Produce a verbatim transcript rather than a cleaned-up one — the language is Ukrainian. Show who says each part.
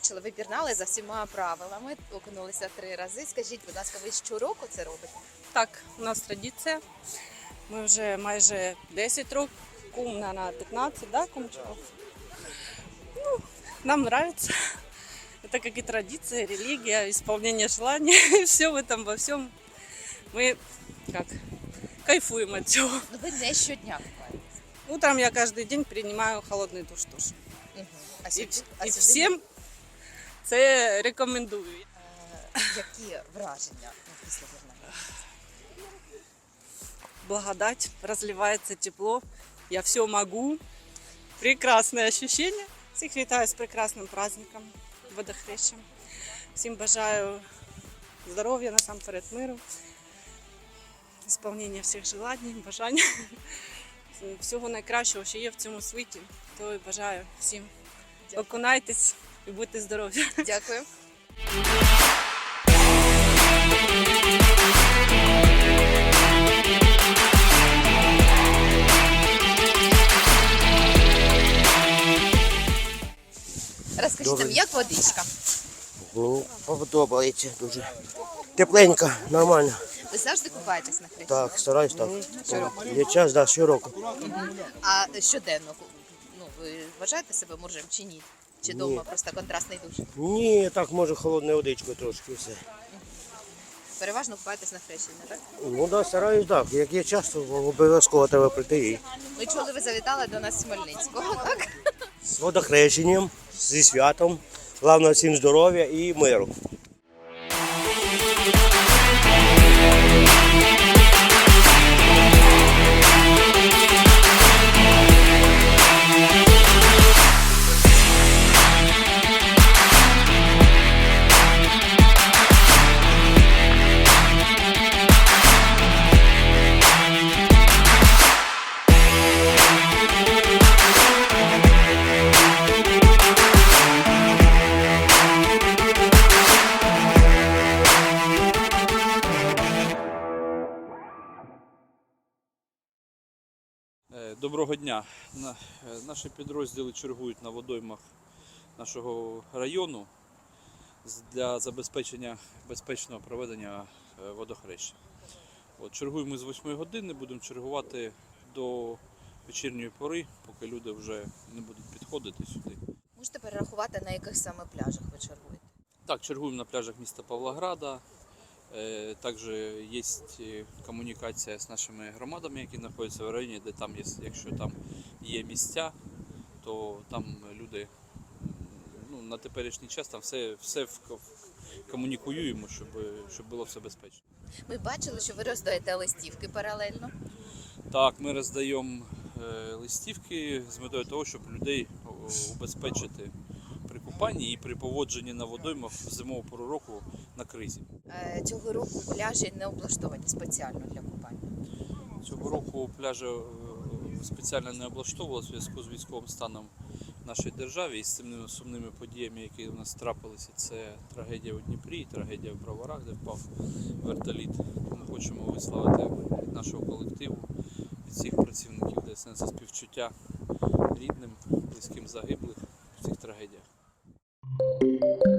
Speaker 1: бачили, ви пірнали за всіма правилами, окунулися три рази. Скажіть, будь ласка, ви щороку це робите?
Speaker 2: Так, у нас традиція. Ми вже майже десять років, кум на п'ятнадцять, да, кумчиков? Ну, нам нравится. Это как и традиция, религия, исполнение желаний. Все в этом, во всем. Мы как кайфуем от цього.
Speaker 1: Ну ви не щодня купаєтесь.
Speaker 2: Утром я каждый день принимаю холодный душ тоже.
Speaker 1: Угу. А
Speaker 2: І,
Speaker 1: сьогодні, а
Speaker 2: і
Speaker 1: сьогодні,
Speaker 2: всім це рекомендую.
Speaker 1: е, які враження після пірнання?
Speaker 2: Благодать, разливается тепло, я все могу. Прекрасное ощущение. Всіх вітаю з прекрасним праздником, водохрещем. Всім бажаю здоров'я, насамперед миру, ісполнення всіх желань, бажань. Всього найкращого, що є в цьому світі, то і бажаю всім. Окунайтесь і будьте здорові.
Speaker 1: Дякую. Розкажіть нам,
Speaker 3: Добре.
Speaker 1: як водичка?
Speaker 3: Ну, подобається дуже. Тепленько, нормально.
Speaker 1: Ви завжди купаєтесь на хрещі?
Speaker 3: Так, стараюсь так.
Speaker 1: Щороку?
Speaker 3: Є час, да, щороку.
Speaker 1: А щоденно, ну, ви вважаєте себе моржем чи ні? Чи
Speaker 3: Ні.
Speaker 1: вдома просто контрастний душ?
Speaker 3: Ні, так може холодною водичкою трошки і все.
Speaker 1: Переважно купаєтесь на хрещення, так?
Speaker 3: Ну да, стараюсь так. Як є час, то обов'язково треба прийти. І
Speaker 1: Ми чули, ви завітали до нас з Хмельницького, так?
Speaker 3: з водохрещенням, зі святом. Головне всім здоров'я і миру.
Speaker 4: Е, Доброго дня. На- е, Наші підрозділи чергують на водоймах нашого району з- для забезпечення безпечного проведення е, водохреща. От, чергуємо з восьмої години, будемо чергувати до вечірньої пори, поки люди вже не будуть підходити сюди.
Speaker 1: Можете перерахувати, на яких саме пляжах ви чергуєте?
Speaker 4: Так, чергуємо на пляжах міста Павлограда. Е, Також є комунікація з нашими громадами, які знаходяться в районі, де там є, якщо там є місця, то там люди, ну, на теперішній час там все, все в- в- комунікуємо, щоб, щоб було все безпечно.
Speaker 1: Ми бачили, що ви роздаєте листівки паралельно.
Speaker 4: Так, ми роздаємо е, листівки з метою того, щоб людей о, убезпечити при купанні і при поводженні на водоймах в зимову пору року на кризі.
Speaker 1: Е, Цього року пляжі не облаштовані спеціально для купання.
Speaker 4: Цього року пляжі е, спеціально не облаштовували в зв'язку з військовим станом в нашій державі і з цими сумними подіями, які у нас трапилися. Це трагедія у Дніпрі, трагедія в Броварах, де впав вертоліт. Ми хочемо висловити від нашого колективу, від всіх працівників ДСНС співчуття рідним, близьким загиблих в цих трагедіях.